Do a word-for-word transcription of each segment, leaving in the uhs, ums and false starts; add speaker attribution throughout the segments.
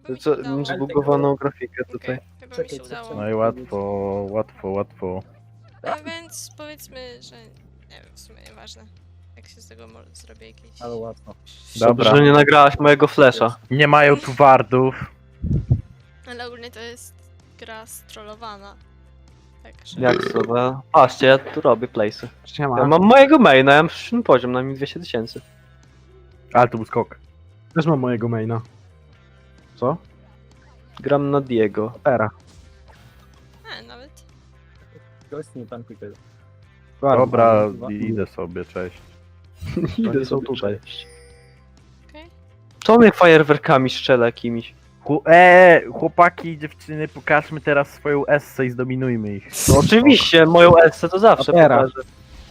Speaker 1: Chyba mi się
Speaker 2: Co,
Speaker 1: udało.
Speaker 2: zbugowaną grafikę tutaj.
Speaker 1: Okej, chyba mi
Speaker 3: Czekaj,
Speaker 1: się
Speaker 3: co-
Speaker 1: udało.
Speaker 3: co-
Speaker 4: No i łatwo, łatwo, łatwo.
Speaker 1: A więc powiedzmy, że nie wiem, w sumie nieważne. Jak się z tego może zrobię jakieś...
Speaker 3: Ale łatwo.
Speaker 4: Dobra.
Speaker 2: Dobrze, że nie nagrałaś mojego flesza.
Speaker 4: Nie mają tu wardów.
Speaker 1: Ale ogólnie to jest gra strollowana. Także...
Speaker 2: Jak sobie? Patrzcie, ja tu robię place'y.
Speaker 5: Siema.
Speaker 2: Ja mam mojego maina, ja mam przyszły poziom, na mi dwieście tysięcy.
Speaker 4: Ale to był skok.
Speaker 5: Też mam mojego maina. Co?
Speaker 2: Gram na Diego.
Speaker 5: Opera.
Speaker 1: A, nawet...
Speaker 3: Gość nie tankuj tego.
Speaker 4: Dobra, idę sobie, cześć.
Speaker 5: Idę są tutaj.
Speaker 1: Okej.
Speaker 2: Co mnie fajerwerkami strzela jakimiś?
Speaker 4: Chł- eee, chłopaki i dziewczyny, pokażmy teraz swoją essę i zdominujmy ich.
Speaker 2: No oczywiście, moją Elsę to zawsze
Speaker 5: Opera.
Speaker 2: pokażę.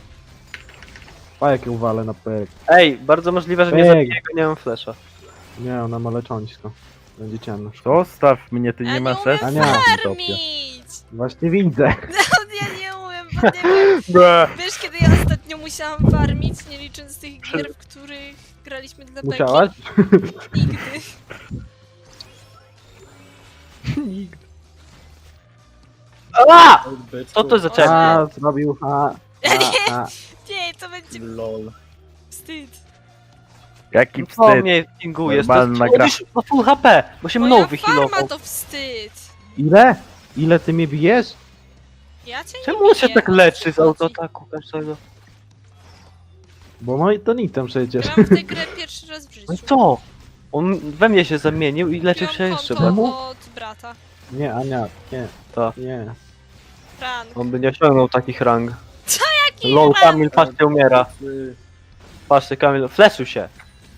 Speaker 5: A jakie uwalę na perek.
Speaker 2: Ej, bardzo możliwe, że nie
Speaker 5: Ej.
Speaker 2: zabiję go, nie mam flesza.
Speaker 5: Nie, ona ma leczonisko. Będzie ciemno.
Speaker 4: Zostaw mnie, ty
Speaker 1: Ja
Speaker 4: nie masz
Speaker 1: umiem
Speaker 4: essy.
Speaker 5: nie.
Speaker 1: farmić!
Speaker 5: Właśnie widzę.
Speaker 1: No, ja nie umiem, bo nie wiem. Wiesz, kiedy ja ostatnio musiałam farmić, nie licząc tych gier, w których graliśmy dla beki?
Speaker 5: Musiałaś?
Speaker 1: Nigdy.
Speaker 2: A!
Speaker 3: Byczku.
Speaker 2: Co to za czerń?
Speaker 5: A, zrobił. A,
Speaker 1: Nie.
Speaker 5: a, a.
Speaker 1: Nie, to będzie
Speaker 3: Lol.
Speaker 1: wstyd.
Speaker 4: Jaki
Speaker 2: Co
Speaker 4: wstyd.
Speaker 2: mnie pingujesz? To
Speaker 4: Normalna
Speaker 2: jest...
Speaker 4: gra.
Speaker 2: On już ma full H P, bo się mną
Speaker 1: Moja
Speaker 2: wyhealował.
Speaker 1: farma to wstyd.
Speaker 5: Ile? Ile ty mnie bijesz?
Speaker 1: Ja cię
Speaker 2: Czemu
Speaker 1: nie
Speaker 2: on się
Speaker 1: biję,
Speaker 2: tak
Speaker 1: o co
Speaker 2: leczy z
Speaker 1: chodzi?
Speaker 2: autoataku każdego?
Speaker 5: Bo moi to nitem przecież.
Speaker 1: Grałam w tę grę pierwszy raz w życiu.
Speaker 2: No i co? On we mnie się zamienił i leczył się
Speaker 1: Kupiłam
Speaker 2: jeszcze
Speaker 1: konto
Speaker 2: bardziej.
Speaker 1: od brata.
Speaker 5: Nie, Ania, nie.
Speaker 2: To.
Speaker 5: Nie.
Speaker 1: Frank.
Speaker 2: On by nie osiągnął takich rang.
Speaker 1: Jaki
Speaker 2: Low
Speaker 1: rank?
Speaker 2: Kamil, patrzcie, umiera.
Speaker 3: Ty,
Speaker 2: Patrzcie, Kamil, fleszył się.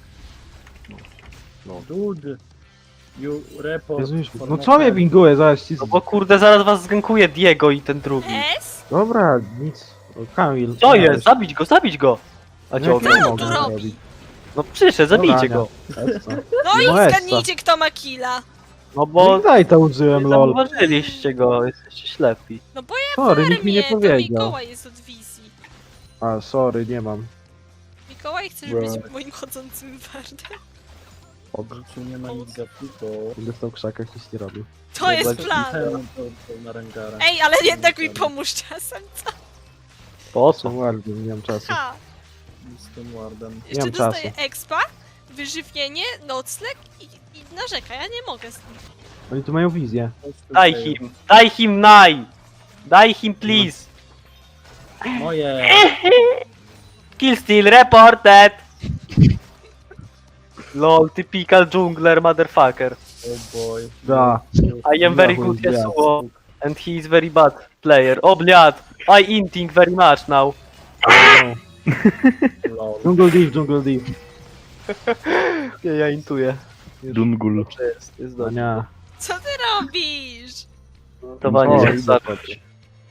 Speaker 3: Dude. You report.
Speaker 5: Jezus,
Speaker 3: for
Speaker 5: no
Speaker 3: my
Speaker 5: co mnie
Speaker 3: friend.
Speaker 5: binguje? Zaraz ci...
Speaker 2: No bo kurde, zaraz was zgankuje Diego i ten drugi.
Speaker 1: S?
Speaker 5: Dobra, nic. O, Kamil.
Speaker 2: Co
Speaker 5: weź.
Speaker 2: jest? Zabić go, zabić go! A
Speaker 5: No,
Speaker 2: ciągle.
Speaker 5: jak nie
Speaker 1: on tu
Speaker 5: mogę
Speaker 1: robi?
Speaker 5: zrobić?
Speaker 2: No przyszedł,
Speaker 5: Dobra,
Speaker 2: zabijcie
Speaker 5: Ania.
Speaker 2: go.
Speaker 5: Essa.
Speaker 1: No i
Speaker 5: No Essa.
Speaker 1: zgadnijcie, kto ma killa.
Speaker 2: No
Speaker 5: No
Speaker 2: bo
Speaker 5: i daj to użyłem,
Speaker 2: nie
Speaker 5: lol.
Speaker 2: zauważyliście go, jesteście ślepi.
Speaker 1: No bo ja
Speaker 5: Sorry, nikt mi nie
Speaker 1: farmię, to
Speaker 5: powiedział.
Speaker 1: Mikołaj jest od wizji.
Speaker 5: A, sorry, nie mam.
Speaker 1: Mikołaj, chcesz
Speaker 5: Bro.
Speaker 1: być moim chodzącym wardem?
Speaker 3: W życiu nie ma nic gapiku.
Speaker 5: Będę w tą krzakach nic nie robił.
Speaker 1: To jest
Speaker 2: Zobaczymy.
Speaker 1: plan.
Speaker 3: Na Rengara.
Speaker 1: Ej, ale jednak mi pomóż czasem.
Speaker 2: Po
Speaker 5: Co
Speaker 2: co?
Speaker 5: ładnie, nie mam czasu.
Speaker 1: Ha!
Speaker 3: Z tym wardem.
Speaker 1: Jeszcze
Speaker 5: mam
Speaker 1: dostaję
Speaker 5: czasu.
Speaker 1: expa, wyżywienie, nocleg i, i narzeka. Ja nie mogę z tym.
Speaker 5: Oni tu mają wizję.
Speaker 2: Daj him, daj him naj! Daj him please!
Speaker 3: Moje!
Speaker 2: Kill steal reported! Lol, typical jungler motherfucker.
Speaker 3: Oh boy.
Speaker 5: Da.
Speaker 2: I am very
Speaker 5: Yahoo,
Speaker 2: good
Speaker 5: yeah.
Speaker 2: Yasuo, and he is very bad player. O bliad, I inting very much now.
Speaker 3: Lol.
Speaker 5: Jungle Deep, Jungle Deep.
Speaker 2: Ja, ja intuję.
Speaker 4: Dungul.
Speaker 2: Dobrze jest, jest dobrze.
Speaker 5: Ania.
Speaker 1: Co ty robisz?
Speaker 2: Intowanie
Speaker 5: O,
Speaker 2: czasu
Speaker 5: idę
Speaker 2: zacząć.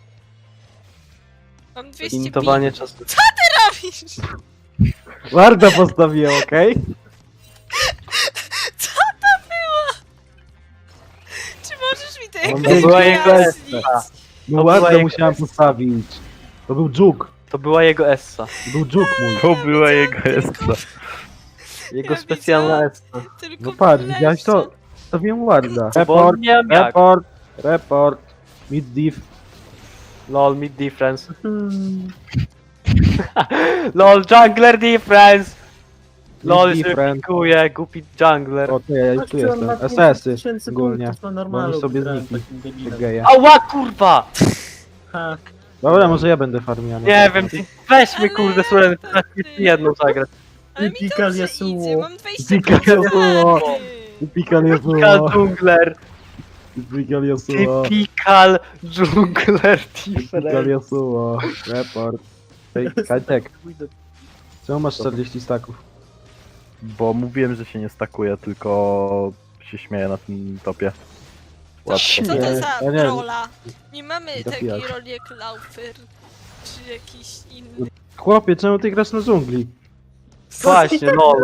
Speaker 1: Mam dwieście
Speaker 2: Intowanie czasu.
Speaker 1: robisz?
Speaker 5: Warda postawiłem, okej?
Speaker 1: Co to było? Czy możesz mi to
Speaker 5: Mam
Speaker 1: jakoś
Speaker 2: była jego
Speaker 1: wyjaśnić?
Speaker 2: essa.
Speaker 5: No
Speaker 2: To
Speaker 5: Warda
Speaker 2: była
Speaker 5: musiałem
Speaker 2: jego-
Speaker 5: postawić. To był dżuk.
Speaker 2: To była jego essa.
Speaker 5: To był dżuk mój.
Speaker 4: To była jego essa.
Speaker 2: Jego
Speaker 1: Ja
Speaker 2: specjalna
Speaker 1: widziałam.
Speaker 2: essa.
Speaker 1: Tylko
Speaker 5: No patrz,
Speaker 1: w
Speaker 5: widziałeś to?
Speaker 1: lesie.
Speaker 5: Postawiłem Warda.
Speaker 2: Bo
Speaker 5: Report,
Speaker 2: nie wiem jak.
Speaker 5: report, report. Mid div.
Speaker 2: Lol, mid difference. Lol, jungler difference! Lol,
Speaker 5: Mid
Speaker 2: się
Speaker 5: different.
Speaker 2: pikuje, głupi jungler.
Speaker 5: O, ty, ja tu jestem. S S-y ogólnie. Oni sobie znikli. Te geje.
Speaker 2: Ała kurwa!
Speaker 3: Ha,
Speaker 5: Dobra, może ja będę farmiany.
Speaker 2: Nie wiem, weź mnie kurde,
Speaker 1: Ale-
Speaker 2: słuchaj, teraz jedną zagrać.
Speaker 1: Ale mi
Speaker 3: Typical
Speaker 1: dobrze
Speaker 3: Yasuo.
Speaker 1: idzie, mam dwadzieścia
Speaker 5: Typical Yasuo.
Speaker 1: farmy.
Speaker 5: Typical
Speaker 2: Typical
Speaker 5: Yasuo.
Speaker 2: jungler.
Speaker 5: Typical Yasuo.
Speaker 2: Typical jungler
Speaker 5: Typical
Speaker 2: difference.
Speaker 5: Yasuo. Report. Ej, Kajtek, czemu masz czterdzieści staków?
Speaker 4: Bo mówiłem, że się nie stakuje, tylko się śmieję na tym topie. Łatwo.
Speaker 1: Co to
Speaker 5: Nie,
Speaker 1: za
Speaker 5: ja nie-
Speaker 1: rola? Nie mamy
Speaker 5: Nie
Speaker 1: takiej
Speaker 5: zapijak.
Speaker 1: roli jak Laufer, czy jakiś inny.
Speaker 5: Chłopie, czemu ty grasz na dżungli?
Speaker 2: Właśnie, lol.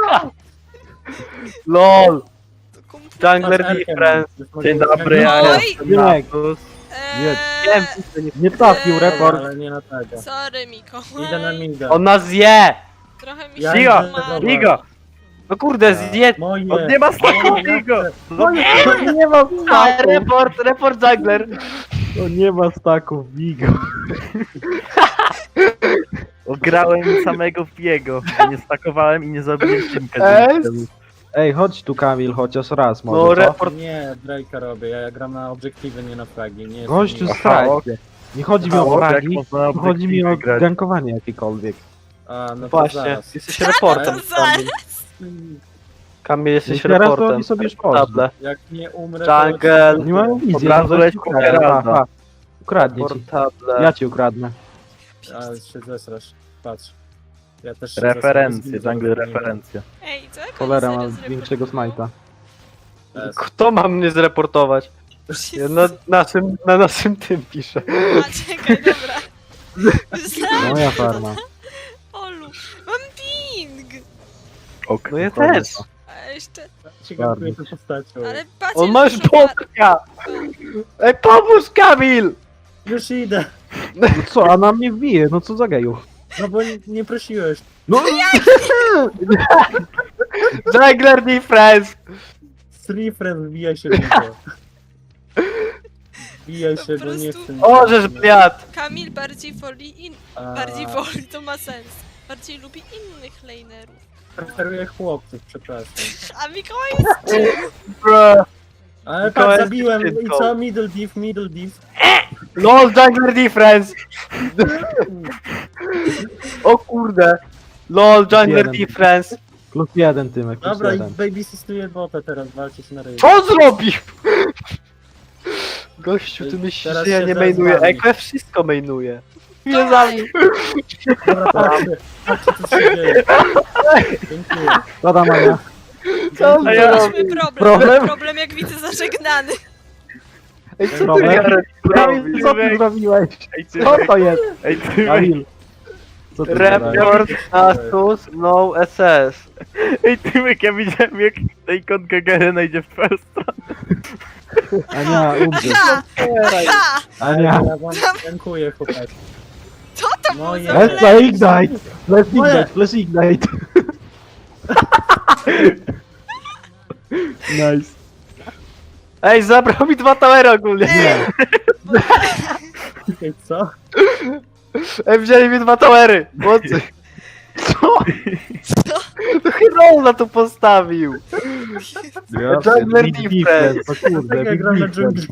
Speaker 2: LOL,
Speaker 1: To komputer.
Speaker 2: jungler difference. Dzień dobry,
Speaker 1: Oj!
Speaker 2: ja jestem
Speaker 5: Nie.
Speaker 2: Natus.
Speaker 5: Nie,
Speaker 2: Wiem,
Speaker 1: Eee,
Speaker 5: Nie trafił, report.
Speaker 3: ale nie na tego.
Speaker 1: sorry Mikołaj.
Speaker 3: Idę na mida.
Speaker 2: on nas je!
Speaker 1: Trochę mi
Speaker 3: Ja
Speaker 1: się
Speaker 4: Ligo,
Speaker 3: idę
Speaker 1: umarło.
Speaker 3: na
Speaker 4: Ligo!
Speaker 2: No kurde, zjedz.
Speaker 3: Moje!
Speaker 4: On nie ma staków,
Speaker 3: moje,
Speaker 4: Bigo!
Speaker 3: No nie!
Speaker 5: No nie ma
Speaker 2: A,
Speaker 5: staków!
Speaker 2: report, report jungler.
Speaker 5: No nie ma staków, Bigo.
Speaker 4: Ograłem samego Biego. Nie stakowałem i nie zabiłem Szymka.
Speaker 2: Es?
Speaker 5: Ej, chodź tu Kamil, chociaż raz
Speaker 2: No,
Speaker 5: może, co?
Speaker 2: report.
Speaker 3: Nie, Drake'a robię, ja, ja gram na obiektywy, nie na fragi. Nie jestem-
Speaker 5: Gościu
Speaker 3: nie-
Speaker 5: z strajkiem. Nie chodzi mi o
Speaker 4: Mało, jak
Speaker 5: fragi,
Speaker 4: można na
Speaker 5: chodzi mi o
Speaker 4: obiektywie grać.
Speaker 5: gankowanie jakiekolwiek.
Speaker 3: A, no to
Speaker 2: Właśnie,
Speaker 3: zaraz.
Speaker 2: jesteś reportem.
Speaker 1: To zaraz.
Speaker 2: Kamil, jesteś
Speaker 5: No teraz to
Speaker 2: reportem.
Speaker 5: oni sobie już poszli.
Speaker 2: Table.
Speaker 3: Jak nie umrę,
Speaker 2: Jungle.
Speaker 3: to...
Speaker 5: Nie mają wizji.
Speaker 4: Od razu
Speaker 5: no
Speaker 4: leć
Speaker 5: weź
Speaker 4: po
Speaker 5: ukradnę,
Speaker 4: Geralda.
Speaker 5: ha, ha. Ukradnie ci.
Speaker 2: Portable.
Speaker 5: Ja ci ukradnę.
Speaker 3: Ale się zesrasz, patrz. Ja też się
Speaker 4: Referencje,
Speaker 3: zesram,
Speaker 4: jungle
Speaker 3: zesram,
Speaker 4: referencje.
Speaker 1: Ej, co? Jak
Speaker 5: Cholera,
Speaker 1: oni
Speaker 5: mam
Speaker 1: serio
Speaker 5: większego
Speaker 1: zreportował?
Speaker 5: smajta.
Speaker 3: Jest.
Speaker 2: Kto ma mnie zreportować? Ja na naszym, na naszym tym piszę.
Speaker 1: A, czekaj, dobra. Myślałam,
Speaker 5: Moja farma.
Speaker 1: Olu, mam ping!
Speaker 4: Ok.
Speaker 2: No ja
Speaker 5: Dokładnie
Speaker 2: też.
Speaker 5: to.
Speaker 1: A jeszcze,
Speaker 3: Się gankuje tą postacią.
Speaker 1: ale patrz,
Speaker 2: On ma już
Speaker 1: dużo par-
Speaker 2: botka! Ej, pomóż Kamil!
Speaker 3: Już idę!
Speaker 5: No co, a na mnie wbije, no co za geju.
Speaker 3: No bo nie, nie prosiłeś.
Speaker 5: No
Speaker 2: Jungler defense!
Speaker 3: Three friends, wbijaj się w niego. Wbijaj
Speaker 1: Po
Speaker 3: się, bo nie
Speaker 1: prostu-
Speaker 3: chcę...
Speaker 2: O, żeż bliad!
Speaker 1: Kamil bardziej woli in...
Speaker 3: A,
Speaker 1: bardziej woli, to ma sens. Bardziej lubi innych lanerów.
Speaker 3: Preferuję chłopców, przepraszam.
Speaker 1: A Mikołaj jest
Speaker 2: Bro.
Speaker 3: Ale
Speaker 2: Mikołaj
Speaker 3: patrz,
Speaker 2: jest
Speaker 3: zabiłem i
Speaker 2: dziewczynką.
Speaker 3: co? Middle div, middle div.
Speaker 2: LOL jungler defense! O kurde! LOL jungler
Speaker 5: Jeden.
Speaker 2: defense!
Speaker 5: plus jeden Tymek, plus
Speaker 3: Dobra, i
Speaker 5: jeden.
Speaker 3: baby systuje bota teraz, walczyć na ryj.
Speaker 2: Co zrobił? Gościu, ty myślisz,
Speaker 3: Teraz
Speaker 2: że ja
Speaker 3: się
Speaker 2: nie
Speaker 3: teraz
Speaker 2: mainuję.
Speaker 3: walni.
Speaker 2: Ekwe wszystko mainuje. Nie
Speaker 1: Dawaj.
Speaker 2: zabił.
Speaker 3: Dobra, patrzcie, patrzcie co się dzieje. Dziękuję.
Speaker 5: Co tam, Ania?
Speaker 2: Co
Speaker 3: A
Speaker 2: ja
Speaker 1: Mieliśmy
Speaker 2: robię?
Speaker 1: problem,
Speaker 5: Problem?
Speaker 1: problem jak widzę zażegnany.
Speaker 2: Ej, co ty
Speaker 5: Problem?
Speaker 2: Jarek
Speaker 5: Kamil,
Speaker 2: robisz?
Speaker 5: co ty zrobiłeś?
Speaker 4: Ej, ty,
Speaker 5: Co to jest?
Speaker 4: ej, ty,
Speaker 5: Kamil. Co ty zrobiłeś?
Speaker 2: Report Asus no S S.
Speaker 4: ej, Tymek, ja widziałem jak ta ikonka Garena idzie w twoją stronę.
Speaker 5: Ania, umrze.
Speaker 1: Ha! Ha!
Speaker 5: Ania.
Speaker 3: Ja wam dziękuję, chłopaki.
Speaker 1: Co to było
Speaker 3: Moje-
Speaker 1: za
Speaker 5: Let's
Speaker 1: play?
Speaker 5: ignite! Let's
Speaker 3: Moje.
Speaker 5: ignite, let's ignite! Nice.
Speaker 2: Ej, zabrał mi dwa towery ogólnie.
Speaker 1: Ej,
Speaker 3: Ej, co?
Speaker 2: Ej, wzięli mi dwa towery. Mocy. Co?
Speaker 1: Co?
Speaker 2: To Herola tu postawił. Jungler
Speaker 5: Big
Speaker 2: defense.
Speaker 5: defense, o kurde,
Speaker 3: Tak jak
Speaker 5: big
Speaker 3: gram na
Speaker 5: defense.
Speaker 3: dżungli.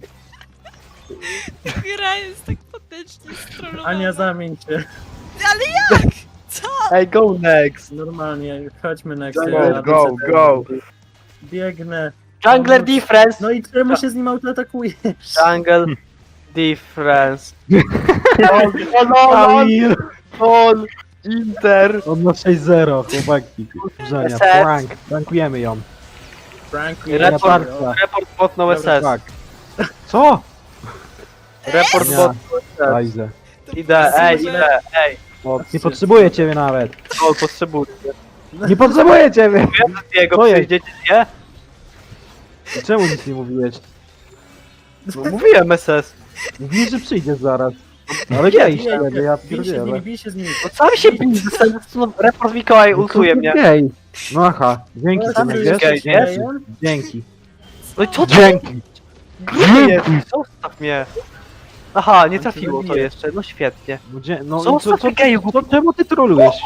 Speaker 1: gra jest tak patecznie strollowana.
Speaker 3: Ania, zamień się.
Speaker 1: Ale jak? Co?
Speaker 2: Ej, go next.
Speaker 3: Normalnie, chodźmy na
Speaker 4: Go,
Speaker 3: Excel.
Speaker 4: go, go.
Speaker 3: Biegnę.
Speaker 2: Jungler defense.
Speaker 3: No i czemu się z nim autoatakujesz?
Speaker 2: Jungle defense. LOL, LOL, LOL,
Speaker 5: Kamil!
Speaker 2: LOL, Inter.
Speaker 5: On ma sześć zero, chłopaki. Żania,
Speaker 2: S S.
Speaker 5: prank, prankujemy ją.
Speaker 3: Frankie,
Speaker 2: Report,
Speaker 5: Report.
Speaker 2: report bot no S S.
Speaker 5: Tak. Co?
Speaker 2: Report
Speaker 5: Nie.
Speaker 2: bot no S S.
Speaker 5: Lajzę.
Speaker 2: Idę, ej, idę, ej.
Speaker 5: O, nie potrzebuję ciebie nawet.
Speaker 2: LOL, potrzebuję.
Speaker 5: Nie potrzebuję ciebie!
Speaker 2: Wiem, że jego
Speaker 5: Co jest?
Speaker 2: przyjdziecie, nie?
Speaker 5: Czemu nic nie mówiłeś?
Speaker 2: No, mówiłem S S.
Speaker 5: Mówiłeś, że przyjdziesz zaraz. Ale gej
Speaker 3: Bij
Speaker 5: wtedy, ja
Speaker 3: bij się z nimi,
Speaker 5: pierdzielę.
Speaker 3: bij się z nimi.
Speaker 2: No sam się bij, no, report Mikołaj ultuje mnie.
Speaker 5: Gej. No aha, dzięki
Speaker 3: No,
Speaker 5: Tymek,
Speaker 3: tam
Speaker 5: wiesz?
Speaker 2: gej, nie?
Speaker 5: Dzięki. Dzięki.
Speaker 2: No i co to
Speaker 5: Dzięki.
Speaker 2: jest? Zostaw mnie. Aha, nie trafiło to jeszcze, no świetnie.
Speaker 5: No, dzie- no
Speaker 2: Co
Speaker 5: co, co,
Speaker 2: za geju,
Speaker 5: co, czemu ty trolujesz?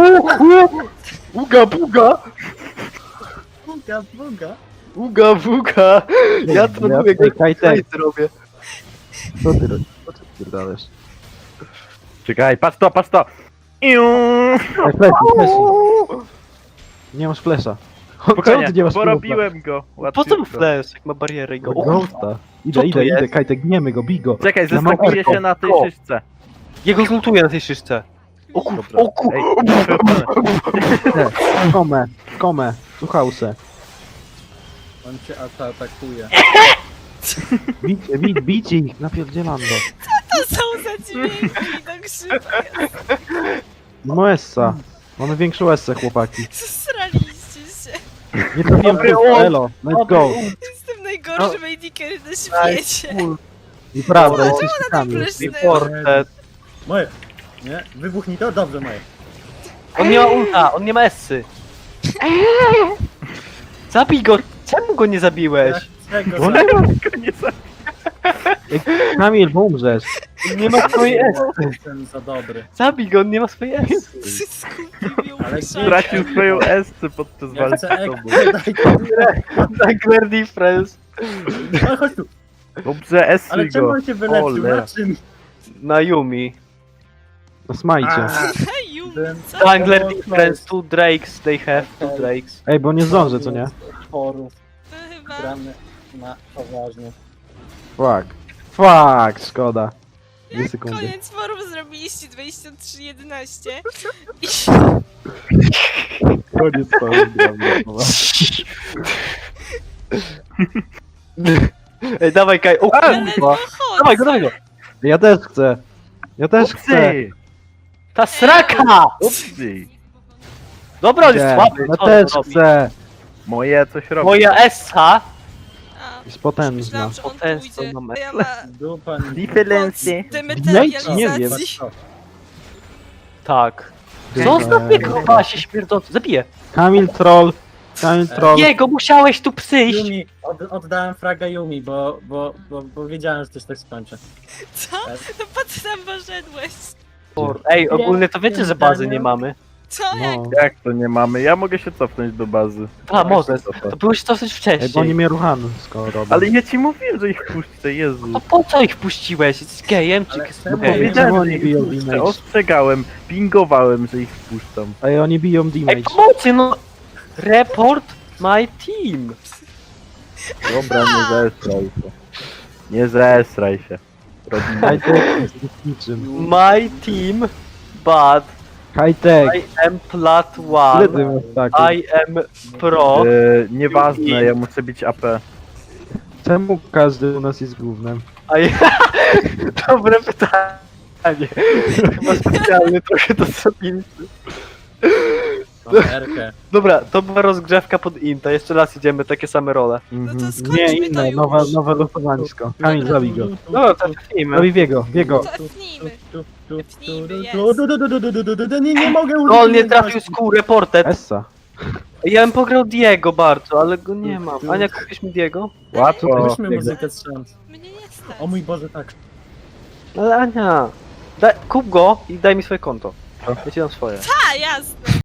Speaker 2: Uga, buga,
Speaker 3: Buga, buga.
Speaker 2: uga, buga. Ja troluję,
Speaker 5: Ej, Kajtek,
Speaker 2: co zrobię.
Speaker 5: co ty robisz? Co ty pierdolesz?
Speaker 4: Czekaj, patrz to, patrz to. Iu.
Speaker 5: Ej, flesy, flesy. Nie masz flesza. Czemu
Speaker 4: Spokojnie,
Speaker 5: ty nie masz
Speaker 4: porobiłem go.
Speaker 2: Po co mu
Speaker 4: Łatwiutko.
Speaker 2: flash, jak ma barierę i go... O,
Speaker 5: Ghosta. Idę,
Speaker 2: Co to
Speaker 5: idę, idę,
Speaker 2: jest?
Speaker 5: Kajtek, gniemy go, bij go.
Speaker 4: Czekaj,
Speaker 5: Ja mam
Speaker 4: zestakuję
Speaker 5: erko.
Speaker 4: się na tej
Speaker 2: O.
Speaker 4: szyszce.
Speaker 2: jego zlutuję na tej szyszce. O kur...
Speaker 4: Dobra.
Speaker 2: O kur...
Speaker 4: Ej,
Speaker 5: Komę, komę, słuchałse.
Speaker 3: On cię ata atakuje.
Speaker 5: Bicie, bij, bijcie ich, napierdzielam go.
Speaker 1: To są za dźwięki, tak szybko.
Speaker 5: No Essa. Mamy większą Essę, chłopaki.
Speaker 1: Zsraliście się.
Speaker 5: Nie trafiłem
Speaker 2: Dobry
Speaker 5: w
Speaker 2: ult.
Speaker 5: elo, let's go.
Speaker 1: Jestem najgorszym A D carry na świecie.
Speaker 5: Nieprawda, jesteś
Speaker 1: Ona tam
Speaker 5: Kamil.
Speaker 1: pryszny.
Speaker 2: Reported.
Speaker 3: Moje. Nie? Wybuchnij to? Dobrze, moje.
Speaker 2: On nie ma ulta, on nie ma essy. Zabij go! Czemu go nie zabiłeś?
Speaker 3: Czego
Speaker 5: Bo
Speaker 3: za...
Speaker 5: nie ma...
Speaker 4: Nie za...
Speaker 5: Kamil, bo umrzesz.
Speaker 2: Nie ma swojej S.
Speaker 3: Jestem za dobry.
Speaker 2: Zabij go, on nie ma swojej S.
Speaker 1: Skupił ją
Speaker 3: Ale
Speaker 1: w
Speaker 3: gdzie-
Speaker 4: Stracił swoją esce podczas
Speaker 3: Ja
Speaker 4: walki
Speaker 3: chcę
Speaker 4: z tobą.
Speaker 3: ek... Daj to.
Speaker 2: Dagger difference.
Speaker 3: Ale chodź tu.
Speaker 4: Dobrze,
Speaker 3: Ale
Speaker 4: esuj
Speaker 3: czemu
Speaker 4: go.
Speaker 3: on się wyleczył?
Speaker 4: Cholera.
Speaker 3: Na czym?
Speaker 2: Na Yumi.
Speaker 5: No smajcie.
Speaker 3: A,
Speaker 1: Yumi,
Speaker 3: byłem-
Speaker 1: co?
Speaker 2: Dangler
Speaker 3: było
Speaker 2: difference, two drakes, they have two drakes.
Speaker 5: Ej, bo nie zdążę, co nie?
Speaker 3: Chorów,
Speaker 1: To chyba...
Speaker 3: gramy na poważnie.
Speaker 5: Fuck. Fuck, szkoda. Dwie sekundy.
Speaker 1: Koniec forum zrobiliście dwadzieścia trzy jedenaście i
Speaker 5: Koniec to.
Speaker 2: Ej, dawaj Kaj, o
Speaker 1: ale
Speaker 2: kurwa.
Speaker 1: chodź.
Speaker 2: Dawaj go, dawaj go.
Speaker 5: Ja też chcę. Ja też chcę.
Speaker 4: Dobrze.
Speaker 2: Ta sraka!
Speaker 4: Dobrze.
Speaker 2: Dobra, on jest
Speaker 5: Nie,
Speaker 2: słaby.
Speaker 5: ja
Speaker 2: co
Speaker 5: też
Speaker 2: on robi?
Speaker 5: chcę.
Speaker 4: Moje coś robi.
Speaker 2: Moja Essa.
Speaker 1: A,
Speaker 5: Jest potężna.
Speaker 1: myślałam, że on
Speaker 2: Potężną
Speaker 1: pójdzie.
Speaker 2: mam
Speaker 1: To ja ma
Speaker 3: Dupa mi...
Speaker 4: Differency.
Speaker 1: moc
Speaker 5: Nie wiem.
Speaker 1: dematerializacji.
Speaker 2: Tak.
Speaker 5: Eee,
Speaker 2: Zostaw mnie, kurwa, się śmierdzący. Zabiję.
Speaker 5: Kamil troll. Kamil troll.
Speaker 2: Jego, musiałeś tu przyjść.
Speaker 3: Yumi, od, oddałem fraga Yumi, bo, bo, bo, bo wiedziałem, że coś tak skończy.
Speaker 1: Co? No po co tam poszedłeś?
Speaker 2: Ej, ogólnie to wiecie, że bazy nie mamy.
Speaker 1: Co? Jak?
Speaker 5: No.
Speaker 4: Jak to nie mamy? Ja mogę się cofnąć do bazy.
Speaker 2: A, może.
Speaker 4: Cofać.
Speaker 2: To byłeś dosyć
Speaker 5: Ej, bo oni
Speaker 2: wcześniej.
Speaker 5: mnie ruchany skoro robią.
Speaker 4: Ale ja ci mówiłem, że ich puszczę, Jezu.
Speaker 2: To po co ich puściłeś? Jesteś gejem czy
Speaker 3: Ale
Speaker 2: jest
Speaker 3: czemu?
Speaker 2: gejem?
Speaker 5: Powiedziałem,
Speaker 4: Powiedziałem,
Speaker 5: oni
Speaker 4: że ich
Speaker 5: biją
Speaker 4: puszczę.
Speaker 5: damage.
Speaker 4: Ostrzegałem, pingowałem, że ich wpuszczam.
Speaker 5: Ej, oni biją
Speaker 2: Ej,
Speaker 5: damage.
Speaker 2: pomocy, no! Report my team!
Speaker 4: Dobra, nie zesraj się. Nie zesraj się. Robimy.
Speaker 5: Hightech jest niczym.
Speaker 2: My team, but
Speaker 5: Hightech.
Speaker 2: I am plat
Speaker 5: Ile
Speaker 2: one.
Speaker 5: ty masz taków?
Speaker 2: I am pro.
Speaker 4: E, nieważne, ja muszę być A P.
Speaker 5: Czemu każdy u nas jest głównym?
Speaker 2: I... Dobre pytanie. Chyba specjalnie trochę to zrobili.
Speaker 3: Mam Erkę.
Speaker 2: Dobra, to była rozgrzewka pod Inta. Jeszcze raz idziemy, takie same role.
Speaker 1: No to
Speaker 5: Mhm.
Speaker 1: skończmy
Speaker 5: Nie,
Speaker 1: to
Speaker 5: inne,
Speaker 1: już.
Speaker 5: nowe, nowe losowanisko. Kamil, zabij go.
Speaker 2: No, to zacznijmy.
Speaker 5: Zabij biego, biego.
Speaker 1: Cofnijmy. Cofnijmy, jest.
Speaker 3: Nie, nie mogę
Speaker 2: No, on nie trafił z kół reported.
Speaker 5: Essa.
Speaker 2: Ja bym pograł Diego bardzo, ale go nie mam. Ania, kupisz mi Diego?
Speaker 4: Łatwo.
Speaker 3: Weźmy muzykę z szans.
Speaker 1: Mnie nie stać.
Speaker 3: O mój Boże, tak.
Speaker 2: Ale Ania, daj, kup go i daj mi swoje konto. Ja ci dam swoje.
Speaker 1: A, jasne.